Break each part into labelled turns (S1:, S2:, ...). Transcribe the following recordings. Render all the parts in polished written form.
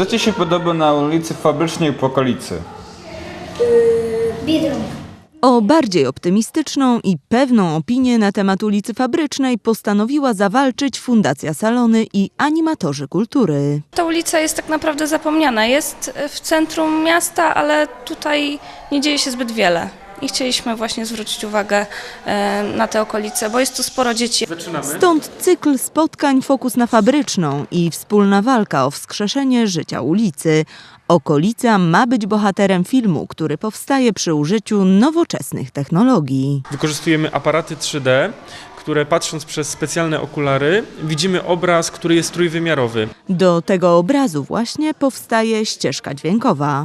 S1: Co Ci się podoba na ulicy Fabrycznej w okolicy?
S2: Biedronka.
S3: O bardziej optymistyczną i pewną opinię na temat ulicy Fabrycznej postanowiła zawalczyć Fundacja Salony i animatorzy kultury.
S4: Ta ulica jest tak naprawdę zapomniana. Jest w centrum miasta, ale tutaj nie dzieje się zbyt wiele. I chcieliśmy właśnie zwrócić uwagę na te okolice, bo jest tu sporo dzieci.
S3: Stąd cykl spotkań Fokus na Fabryczną i wspólna walka o wskrzeszenie życia ulicy. Okolica ma być bohaterem filmu, który powstaje przy użyciu nowoczesnych technologii.
S5: Wykorzystujemy aparaty 3D, które patrząc przez specjalne okulary widzimy obraz, który jest trójwymiarowy.
S3: Do tego obrazu właśnie powstaje ścieżka dźwiękowa.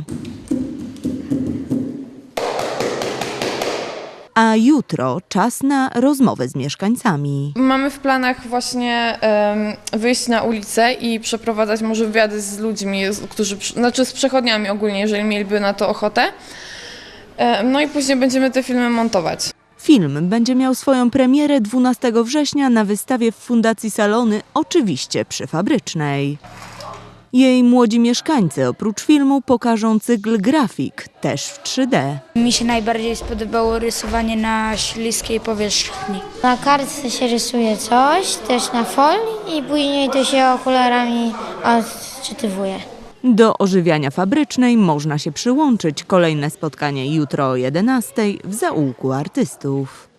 S3: A jutro czas na rozmowę z mieszkańcami.
S6: Mamy w planach właśnie wyjść na ulicę i przeprowadzać może wywiady z ludźmi, z przechodniami ogólnie, jeżeli mieliby na to ochotę. No i później będziemy te filmy montować.
S3: Film będzie miał swoją premierę 12 września na wystawie w Fundacji Salony, oczywiście przy Fabrycznej. Jej młodzi mieszkańcy oprócz filmu pokażą cykl grafik, też w 3D.
S2: Mi się najbardziej spodobało rysowanie na śliskiej powierzchni.
S7: Na kartce się rysuje coś, też na folii i później to się okularami odczytywuje.
S3: Do ożywiania Fabrycznej można się przyłączyć. Kolejne spotkanie jutro o 11:00 w zaułku artystów.